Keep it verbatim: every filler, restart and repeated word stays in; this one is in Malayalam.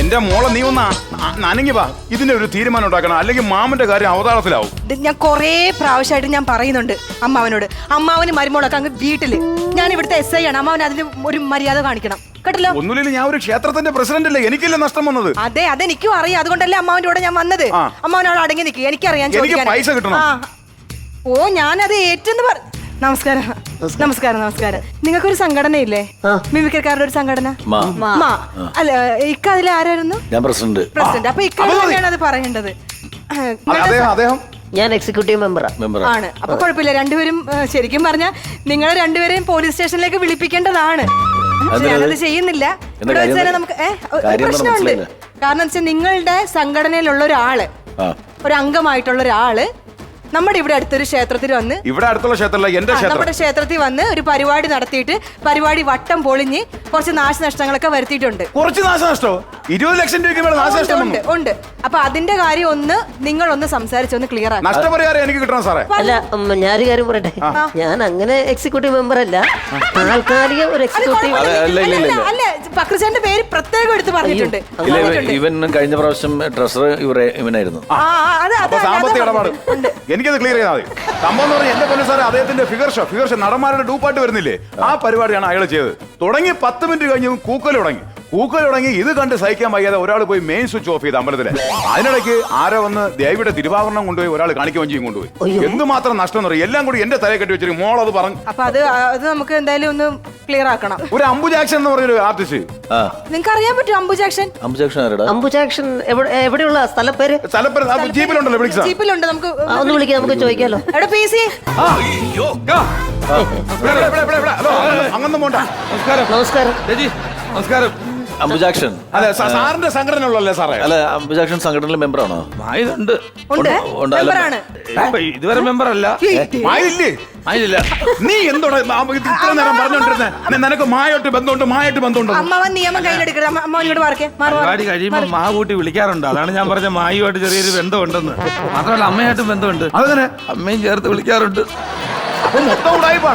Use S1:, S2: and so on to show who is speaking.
S1: എന്റെ മോളെ നീ ഒന്ന് നനങ്ങി വാ, ഇതിന്റെ ഒരു തീരുമാനം ഉണ്ടാക്കണം, അല്ലെങ്കിൽ മാമന്റെ കാര്യം അവതാളത്തിലാവും.
S2: ഞാൻ കൊറേ പ്രാവശ്യമായിട്ട് ഞാൻ പറയുന്നുണ്ട് അമ്മാവനോട്. അമ്മാവന് മരുമോളൊക്കെ അങ്ങ് വീട്ടില്. ഞാൻ ഇവിടുത്തെ എസ് ഐ ആണ്, അമ്മാവൻ അതിന് ഒരു മര്യാദ കാണിക്കണം കേട്ടല്ലോ.
S1: ഒന്നുമില്ല, ഞാൻ ഒരു ക്ഷേത്രത്തിന്റെ പ്രസിഡന്റ് അല്ലേ, എനിക്കല്ലേ നഷ്ടം വന്നത്.
S2: അതെ അതെനിക്കും അറിയാം, അതുകൊണ്ടല്ലേ അമ്മാവന്റെ കൂടെ ഞാൻ വന്നത്. അമ്മാവനോട് അടങ്ങി നിൽക്കുക, എനിക്കറിയാം.
S1: എനിക്ക് പൈസ കിട്ടണം.
S2: ഓ ഞാനത് ഏറ്റെന്ന് പറ. നമസ്കാരം നമസ്കാരം നമസ്കാരം. നിങ്ങൾക്കൊരു സംഘടനയില്ലേ, മിമിക്രിക്കാരുടെ ഒരു സംഘടന? അല്ല ഇക്ക അതിൽ ആരായിരുന്നു?
S3: ഞാൻ പ്രസിഡന്റ്.
S2: പ്രസിഡന്റ്. അപ്പൊ ഇക്ക തന്നെയാണ് അത് പറയേണ്ടത്.
S4: ഞാൻ എക്സിക്യൂട്ടീവ് മെമ്പറാ.
S2: ആണ്. അപ്പൊ കുഴപ്പമില്ല, രണ്ടുപേരും ശരിക്കും പറഞ്ഞാൽ നിങ്ങളെ രണ്ടുപേരെയും പോലീസ് സ്റ്റേഷനിലേക്ക് വിളിപ്പിക്കേണ്ടതാണ്. ഞാനത് ചെയ്യുന്നില്ല. ഇവിടെ വെച്ച് തന്നെ നമുക്ക് പ്രശ്നമുണ്ട്. കാരണം വെച്ചാൽ നിങ്ങളുടെ സംഘടനയിലുള്ള ഒരാള്, ഒരു അംഗമായിട്ടുള്ള ഒരാള് നമ്മുടെ ഇവിടെ അടുത്തൊരു ക്ഷേത്രത്തിൽ വന്ന്,
S1: ഇവിടെ അടുത്തുള്ള ക്ഷേത്രമല്ല എന്റെ ക്ഷേത്രം,
S2: നമ്മുടെ ക്ഷേത്രത്തിൽ വന്ന് ഒരു പരിപാടി നടത്തിയിട്ട് പരിപാടി വട്ടം പൊളിഞ്ഞ് കുറച്ച് നാശനഷ്ടങ്ങളൊക്കെ വരുത്തിയിട്ടുണ്ട്.
S1: കുറച്ച് നാശനഷ്ടോ? ഇരുപത് ലക്ഷം രൂപ നാശനഷ്ടം
S2: ഉണ്ട് ഉണ്ട്. അപ്പൊ അതിന്റെ കാര്യം ഒന്ന് നിങ്ങൾ ഒന്ന് സംസാരിച്ചൊന്ന് ക്ലിയർ ആക്കി.
S1: നഷ്ടപരിഹാരം എനിക്ക് കിട്ടണം സാറേ.
S4: അല്ല ഞാനൊരു കാര്യം പറയട്ടെ, ഞാൻ അങ്ങനെ എക്സിക്യൂട്ടീവ് മെമ്പർ അല്ല, താൽക്കാലിക ഒരു എക്സിക്യൂട്ടീവ്.
S2: അല്ല പക്രചാന്റെ പേര് പ്രത്യേകം എടുത്ത് പറഞ്ഞിട്ടുണ്ട്.
S3: ഇവൻ കഴിഞ്ഞ പ്രാവശ്യം ട്രഷറർ ഇവനായിരുന്നു.
S1: സാമ്പത്തിക ഇടപാട് എനിക്കത് ക്ലിയർ ചെയ്താൽ മതി. സംഭവം എന്ന് പറഞ്ഞാൽ എന്റെ പൊന്നു സാറേ, അദ്ദേഹത്തിന്റെ ഫിഗർ ഷോ ഫിഗർ ഷോ നടന്മാരുടെ ഡൂപ്പായിട്ട് വരുന്നില്ലേ, ആ പരിപാടിയാണ് അയാൾ ചെയ്തത്. തുടങ്ങി പത്ത് മിനിറ്റ് കഴിഞ്ഞ് കൂക്കൽ തുടങ്ങി പൂക്കൾ തുടങ്ങി. ഇത് കണ്ട് സഹിക്കാൻ വയ്യാതെ ഒരാൾ പോയി മെയിൻ സ്വിച്ച് ഓഫ് ചെയ്ത് അമ്പലത്തിലെ. അതിനിടയ്ക്ക് ആരോ വന്ന് ദേവിയുടെ തിരുവാഭരണം കൊണ്ടുപോയി ഒരാൾ കാണിക്ക വഞ്ചിയും കൊണ്ടുപോയി. എന്തുമാത്രം നഷ്ടം എന്ന് പറയും. എല്ലാം കൂടി എന്റെ തലയെ കെട്ടി വെച്ചിട്ട് മോൾ അത് പറഞ്ഞു.
S2: അപ്പൊ അത് അത് നമുക്ക് എന്തായാലും ഒന്ന് ക്ലിയർ ആക്കണം.
S1: ഒരു അംബു ജാക്സൺ എന്ന് പറഞ്ഞൊരു ആർട്ടിസ്റ്റ്,
S2: നിങ്ങൾക്ക് അറിയാൻ പറ്റും അംബു ജാക്സൺ?
S4: അംബു ജാക്സൺ എവിടെയുള്ള സ്ഥലപ്പേര്?
S1: സ്ഥലപ്പേര് ജീപ്പിലുണ്ടല്ലോ,
S2: ജീപ്പിലുണ്ട്. നമുക്ക്
S4: ഒന്ന് വിളിക്കാം, നമുക്ക് ചോദിക്കാലോ.
S2: എവിടെ പി സി?
S1: അങ്ങനെ പോണ്ട.
S4: നമസ്കാരം.
S5: നമസ്കാരം.
S3: അംബുജാക്ഷൻ
S1: അതെ സാറിന്റെ സംഘടന ഉള്ളല്ലേ സാറേ?
S3: അല്ല അംബുജാക്ഷൻ സംഘടനയിലെ മെമ്പറാണോ?
S5: മായുണ്ട്. ഇതുവരെ മെമ്പർ അല്ല.
S1: മായില്ലേ?
S5: മായില്ല.
S1: നീ എന്തോടെ ഇത്ര നേരം പറഞ്ഞോണ്ടിരുന്നേ? നിനക്ക് മായായിട്ട് ബന്ധമുണ്ട്, മായായിട്ട് ബന്ധമുണ്ട്.
S2: അമ്മാവൻ നിയമം കയ്യിലെടുക്കരുത്. അമ്മാവനോട് പറക്കേ.
S5: പരിപാടി കഴിയുമ്പോ മാ കൂട്ടി വിളിക്കാറുണ്ട്. അതാണ് ഞാൻ പറഞ്ഞ മായുമായിട്ട് ചെറിയൊരു ബന്ധമുണ്ടെന്ന്. മാത്രമല്ല അമ്മയായിട്ടും ബന്ധമുണ്ട്.
S1: അതങ്ങനെ
S5: അമ്മയും ചേർത്ത് വിളിക്കാറുണ്ട്.
S1: അപ്പൊ മൊത്തം ഉടായിപ്പാണ്.